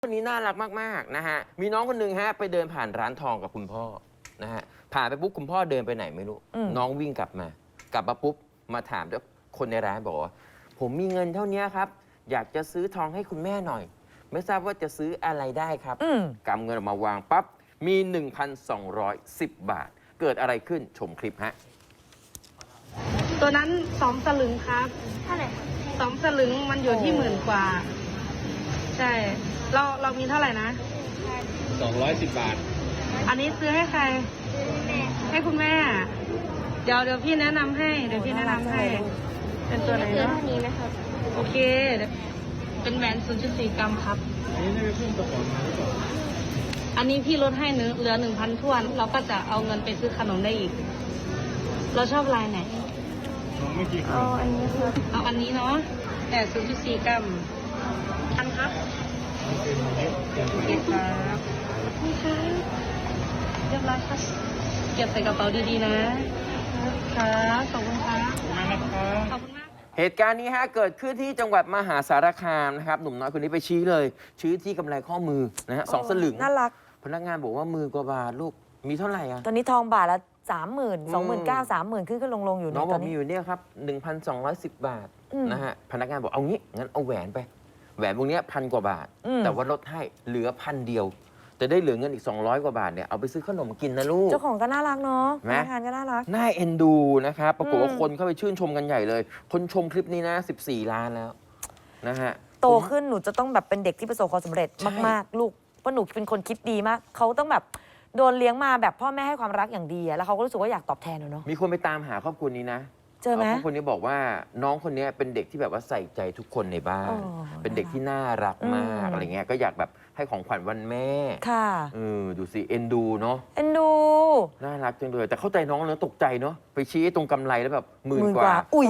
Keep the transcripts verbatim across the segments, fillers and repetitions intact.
คนนี้น่ารักมากๆนะฮะมีน้องคนหนึ่งฮะไปเดินผ่านร้านทองกับคุณพ่อนะฮะผ่านไปปุ๊บคุณพ่อเดินไปไหนไม่รู้น้องวิ่งกลับมากลับมาปุ๊บมาถามด้วยคนในร้านบอกว่าผมมีเงินเท่านี้ครับอยากจะซื้อทองให้คุณแม่หน่อยไม่ทราบว่าจะซื้ออะไรได้ครับกำเงินออกมาวางปั๊บมี หนึ่งพันสองร้อยสิบ บาทเกิดอะไรขึ้นชมคลิปฮะตัวนั้นสองสลึงครับเท่าไหร่สองสลึงมันอยู่ที่หมื่นกว่าใช่เราเรามีเท่าไหร่นะสองร้อยสิบบาทอันนี้ซื้อให้ใครให้คุณแม่เดี๋ยวเดี๋ยวพี่แนะนำให้เดี๋ยวพี่แนะนำให้เป็นตัวไหนเนาะนี้นะครับโอเคเป็นแหวน ศูนย์จุดสี่ กรัมครับอันนี้ได้ไปเพิ่มตัวของมาหรือเปล่าอันนี้พี่ลดให้เหลือหนึ่งพันทวนเราก็จะเอาเงินไปซื้อขนมได้อีกเราชอบลายไหนไม่กี่เอาอันนี้ครับเอาอันนี้เนาะแต่ ศูนย์จุดสี่ กรัมทันครับโอเคครับนี่ค่ะเรียบร้อยครับเก็บใส่กระเป๋าดีๆนะครับขอบคุณครับขอบคุณมากเหตุการณ์นี้ฮะเกิดขึ้นที่จังหวัดมหาสารคามนะครับหนุ่มน้อยคนนี้ไปชี้เลยชี้ที่กำไรข้อมือนะฮะสองสลึงน่ารักพนักงานบอกว่ามือกว่าบาทลูกมีเท่าไหร่อะตอนนี้ทองบาทละสามหมื่นสองหมื่นเก้าสามหมื่นขึ้นก็ลงลงอยู่น้องบอกมีอยู่เนี่ยครับหนึ่งพันสองร้อยสิบบาทนะฮะพนักงานบอกเอางี้งั้นเอาแหวนไปแหวนพวกนี้พันกว่าบาทแต่ว่าลดให้เหลือพันเดียวแต่ได้เหลือเงินอีกสองร้อยกว่าบาทเนี่ยเอาไปซื้อขนมกินนะลูกเจ้าของก็น่ารักเนาะพนักงานก็น่ารักน่าเอ็นดูนะครับปรากฏว่าคนเข้าไปชื่นชมกันใหญ่เลยคนชมคลิปนี้นะสิบสี่ล้านแล้วนะฮะโตขึ้นหนูจะต้องแบบเป็นเด็กที่ประสบความสำเร็จมากๆลูกเพราะหนูเป็นคนคิดดีมากเขาต้องแบบโดนเลี้ยงมาแบบพ่อแม่ให้ความรักอย่างดีแล้วเขาก็รู้สึกว่าอยากตอบแทนเนาะมีคนไปตามหาครอบครัวนี้นะเจอไหมครอบครัวนี้บอกว่าน้องคนนี้เป็นเด็กที่แบบว่าใส่ใจทุกคนในบ้านเป็นเด็กที่น่ารักมากอะไรเงี้ยก็อยากแบบให้ของขวัญวันแม่ค่ะเออดูสิเอ็นดูเนาะเอ็นดูน่ารักจังเลยแต่เข้าใจน้องเนอะตกใจเนาะไปชี้ตรงกำไรแล้วแบบหมื่นกว่าอุ้ย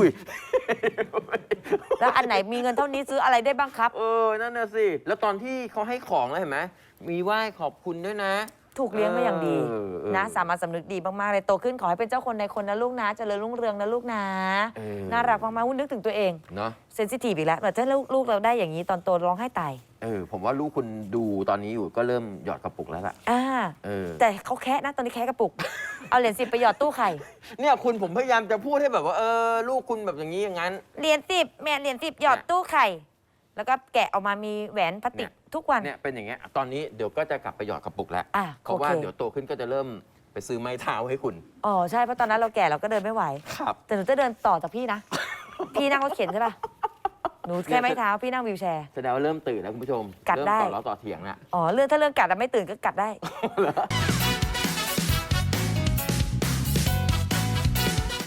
แล้วอันไหนมีเงินเท่านี้ซื้ออะไรได้บ้างครับเออนั่นน่ะสิแล้วตอนที่เขาให้ของแล้วเห็นไหมมีไหว้ขอบคุณด้วยนะถูกเลี้ยงมาอย่างดีนะสามารถสำนึกดีมากๆเลยโตขึ้นขอให้เป็นเจ้าคนในคนนะลูกนะเจริญรุ่งเรืองนะลูกนะน่ารักมากๆนึกถึงตัวเองเนาะเซนซิทีฟอีกแล้วแต่ถ้าลูกเราได้อย่างนี้ตอนโตร้องไห้ตายเออผมว่าลูกคุณดูตอนนี้อยู่ก็เริ่มหยอดกระปุกแล้วล่ะอ่าเออแต่เขาแคะนะตอนนี้แคะกระปุกเอาเหรียญสิบไปหยอดตู้ไข่เนี่ยคุณผมพยายามจะพูดให้แบบว่าเออลูกคุณแบบอย่างนี้อย่างนั้นเหรียญสิบแม่เหรียญสิบหยอดตู้ไข่แล้วก็แกะออกมามีแหวนพลาสติกทุกวันเนี่ยเป็นอย่างเงี้ยตอนนี้เดี๋ยวก็จะกลับไปหยอดกระปุกแล้วเพราะว่าเดี๋ยวโตขึ้นก็จะเริ่มไปซื้อไม้เท้าให้คุณอ๋อใช่เพราะตอนนั้นเราแก่เราก็เดินไม่ไหวครับแต่หนูจะเดินต่อจากพี่นะพี่นั่งรถเข็นใช่ป่ะหนูแค่ไม้เท้าพี่นั่งวีลแชร์แสดงว่าเริ่มตื่นแล้วคุณผู้ชมกัดได้ต่อล้อต่อเถียงนะอ๋อเรื่องถ้าเรื่องกัดแล้วไม่ตื่นก็กัดได้